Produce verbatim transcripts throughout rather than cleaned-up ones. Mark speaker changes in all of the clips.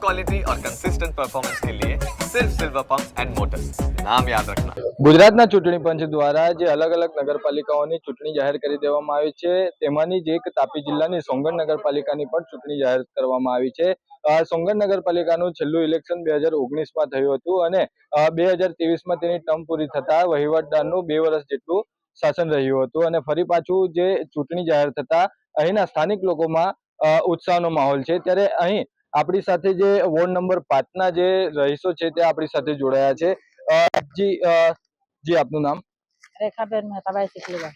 Speaker 1: Quality और consistent performance के लिए सिर्फ सिल्वर पंप्स एंड मोटर्स, नाम याद रखना।
Speaker 2: ગુજરાતના ચૂંટણી પંચ દ્વારા જે અલગ અલગ નગરપાલિકાઓની ચૂંટણી જાહેર કરી દેવામાં આવી છે તેમાંની જ એક તાપી જિલ્લાની સોંગણ નગરપાલિકાની પણ ચૂંટણી જાહેર કરવામાં આવી છે. સોંગણ નગરપાલિકાનું છેલ્લું ઇલેક્શન બે હજાર ઓગણીસમાં થયું હતું અને બે હજાર ત્રેવીસમાં તેની ટર્મ પૂરી થતા વહીવટદારનું બે વર્ષ જેટલું શાસન રહ્યું હતું અને ફરી પાછું જે ચૂંટણી જાહેર થતા અહીંના સ્થાનિક લોકોમાં ઉત્સાહનો માહોલ છે. ત્યારે અહીં આપણી સાથે જે વોર્ડ નંબર પાંચના જે રહીશો છે તે આપણી સાથે જોડાયા છે. જી જી આપનું નામ?
Speaker 3: રેખાબેન મહેતાભાઈ સિકલીવા.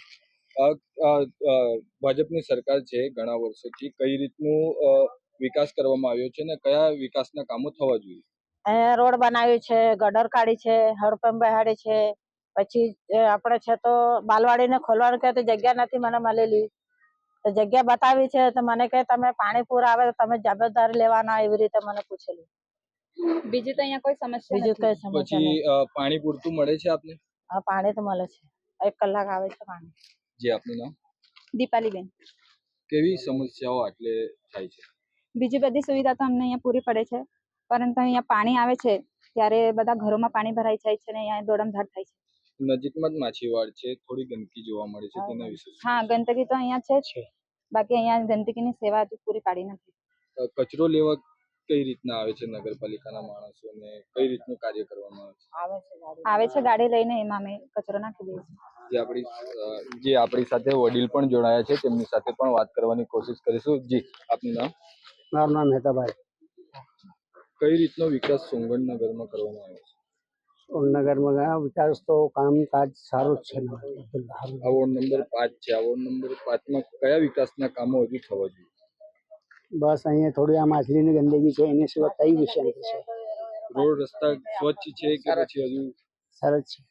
Speaker 2: ભાજપની સરકાર છે ઘણા વર્ષોથી, કઈ રીતનું વિકાસ કરવામાં આવ્યો છે અને કયા વિકાસના કામો થવા જોઈએ?
Speaker 3: અહીંયા રોડ બનાવ્યું છે, ગટર કાઢી છે, હડપંપ બેહાડી છે, પછી આપણે છે તો બાલવાડીને ખોલવાનું કહે તો જગ્યા નથી મને મળેલી, તો જગ્યા બતાવી છે તો મને કહે તમે પાણી પૂર આવે તો તમે જવાબદારી લેવાના, એવી રીતે મને પૂછેલું.
Speaker 4: બીજું તો અહીંયા કોઈ સમસ્યા
Speaker 3: બીજું કઈ સમસ્યા
Speaker 2: પછી
Speaker 3: નહીં.
Speaker 2: પાણી પૂરતું મળે છે આપને?
Speaker 3: હા, પાણી તો મળે છે, એક કલાક આવે છે પાણી.
Speaker 2: જી આપનું નામ?
Speaker 4: દીપાલીબેન.
Speaker 2: કેવી સમસ્યાઓ આટલે થાય છે?
Speaker 4: બીજી બધી સુવિધા તો અમને અહીંયા પૂરી પડે છે, પરંતુ અહીંયા પાણી આવે છે ત્યારે બધા ઘરોમાં પાણી ભરાઈ જાય છે ને અહીંયા દોડમધાડ થાય છે.
Speaker 2: નજીકમાં જ માછીવાડ છે, થોડી ગંદકી જોવા મળે છે, તેના વિશે?
Speaker 4: હા, ગંદકી તો અહીંયા છે જ, બાકી અહીંયા ગંદકીની સેવા હજુ પૂરી પાડી નથી.
Speaker 2: કચરો લેવા કઈ રીતના આવે છે નગરપાલિકાના માણસો ને કઈ રીતનું કાર્ય કરવામાં આવે છે?
Speaker 4: આવે છે ગાડી લઈને, એમાં અમે કચરો નાખી દઈએ છીએ.
Speaker 2: જે આપણી જે આપણી સાથે વડીલ પણ જોડાયા છે તેમની સાથે પણ વાત કરવાની કોશિશ કરીશું. જી આપનું નામ?
Speaker 5: મારું નામ મહેતાભાઈ.
Speaker 2: કઈ રીતનો વિકાસ સોંગણ નગરમાં કરવામાં આવ્યો છે?
Speaker 5: સોમનગરમાં વિકાસ તો કામકાજ સારું જ છે.
Speaker 2: આ વોર્ડ નંબર પાંચ છે, આ વોર્ડ નંબર પાંચમાં કયા વિકાસના કામો હજુ થવા જોઈએ?
Speaker 5: બસ અહીંયા થોડી આ માછલીની ગંદકી છે, એની સિવાય કઈ વિષય નથી છે.
Speaker 2: રોડ રસ્તા સ્વચ્છ છે કે પછી હજુ?
Speaker 5: સરસ છે.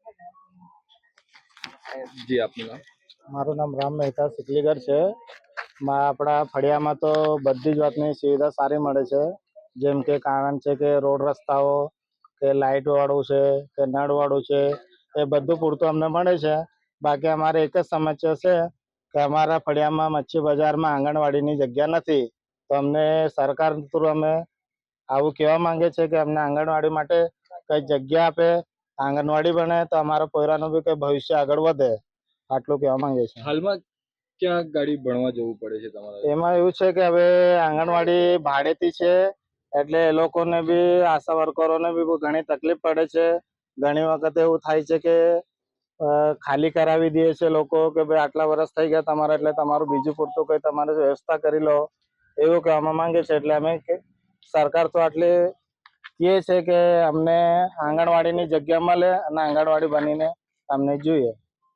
Speaker 2: જી આપનું નામ?
Speaker 5: મારું નામ રામ મહેતા સિકલીગર છે. આપણા ફળિયામાં તો બધી જ વાતની સુવિધા સારી મળે છે, જેમ કે કારણ છે કે રોડ રસ્તાઓ કે લાઇટ વાળું છે કે નળ વાળું છે એ બધું પૂરતું અમને મળે છે. બાકી અમારે એક જ સમસ્યા છે કે અમારા ફળિયામાં મચ્છી બજારમાં આંગણવાડીની જગ્યા નથી, તો અમને સરકાર થ્રુ અમે આવું કહેવા માંગે છે કે અમને આંગણવાડી માટે કઈ જગ્યા આપે, આંગણવાડી બને તો અમારા પોયરાનું બી કઈ ભવિષ્ય આગળ વધે, આટલું કહેવા માંગે છે.
Speaker 2: હાલમાં ક્યાં ગાડી ભણવા જવું પડે છે તમારે?
Speaker 5: એમાં એવું છે કે હવે આંગણવાડી ભાડેથી છે એટલે એ લોકોને બી આશા વર્કરોને બી બહુ ઘણી તકલીફ પડે છે. ઘણી વખત એવું થાય છે કે ખાલી કરાવી દે છે લોકો કે ભાઈ આટલા વર્ષ થઈ ગયા તમારા, એટલે તમારું બીજું પૂરતું કઈ તમારે વ્યવસ્થા કરી લો, એવું કહેવામાં માંગે છે. એટલે અમે સરકાર તો આટલી કહે છે કે અમને આંગણવાડીની જગ્યા મળે અને આંગણવાડી બનીને અમને જોઈએ.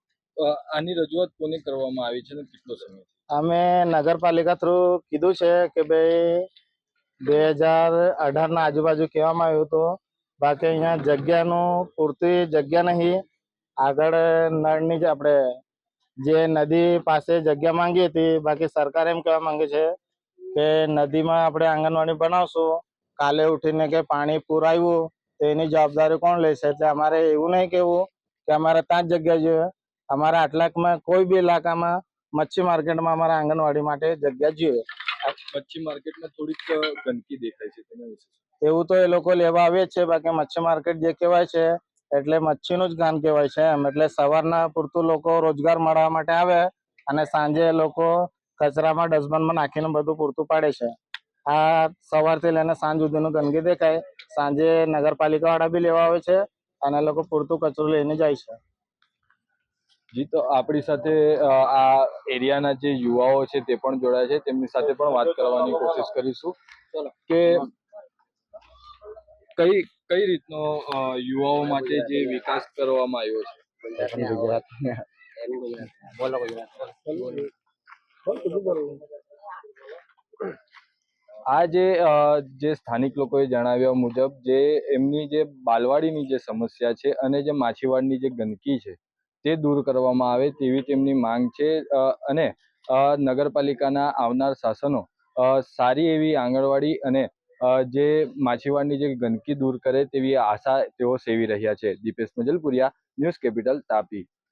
Speaker 2: આની રજૂઆત કોને કરવામાં આવી છે ને કેટલો સમય?
Speaker 5: અમે નગરપાલિકા થ્રુ કીધું છે કે ભાઈ બે હજાર અઢાર ના આજુબાજુ કહેવામાં આવ્યું હતું, બાકી અહીંયા જગ્યાનું પૂરતી જગ્યા નહીં. આગળ નળની જ આપણે જે નદી પાસે જગ્યા માંગી હતી, બાકી સરકાર એમ કહેવા માંગે છે કે નદીમાં આપણે આંગણવાડી બનાવશું, કાલે ઉઠીને કે પાણી પૂર આવ્યું તો એની જવાબદારી કોણ લેશે? એટલે અમારે એવું નહીં કેવું કે અમારે ત્યાં જ જગ્યા જોઈએ, અમારા આટલાકમાં કોઈ બી ઇલાકામાં મચ્છી માર્કેટમાં અમારા આંગણવાડી માટે જગ્યા જોઈએ.
Speaker 2: મચ્છી માર્કેટમાં થોડીક ગંદકી દેખાય છે, તેના વિશે?
Speaker 5: એવું તો એ લોકો લેવા આવે છે, બાકી મચ્છી માર્કેટ જે કહેવાય છે એટલે મચ્છીનું જ ગામ કહેવાય છે એમ. એટલે સવારના પૂરતું લોકો રોજગાર મળવા માટે આવે અને સાંજે લોકો કચરામાં ડસ્ટબિનમાં નાખીને બધું પૂરતું પાડે છે. આ સવારથી લઈને સાંજ સુધીનું ગંદકી દેખાય, સાંજે નગરપાલિકા વાળા બી લેવા આવે છે અને લોકો પૂરતું કચરો લઈને જાય છે.
Speaker 2: જી, તો આપણી સાથે આ એરિયાના જે યુવાઓ છે તે પણ જોડાયા છે, તેમની સાથે પણ વાત કરવાની કોશિશ કરીશું કે કઈ કઈ રીતનો યુવાઓ માટે જે વિકાસ કરવામાં આવ્યો છે. આ જે જે સ્થાનિક લોકોએ જણાવ્યા મુજબ જે એમની જે બાલવાડીની જે સમસ્યા છે અને જે માછીવાડની જે ગંદકી છે તે દૂર કરવામાં આવે તેવી તેમની માંગ છે. અને નગરપાલિકાના આવનાર શાસનો સારી એવી આંગણવાડી અને જે માછીવાડની જે ગંદકી દૂર કરે તેવી આશા તેઓ સેવી રહ્યા છે. Dipesh Majalpuriya, News Capital, Tapi.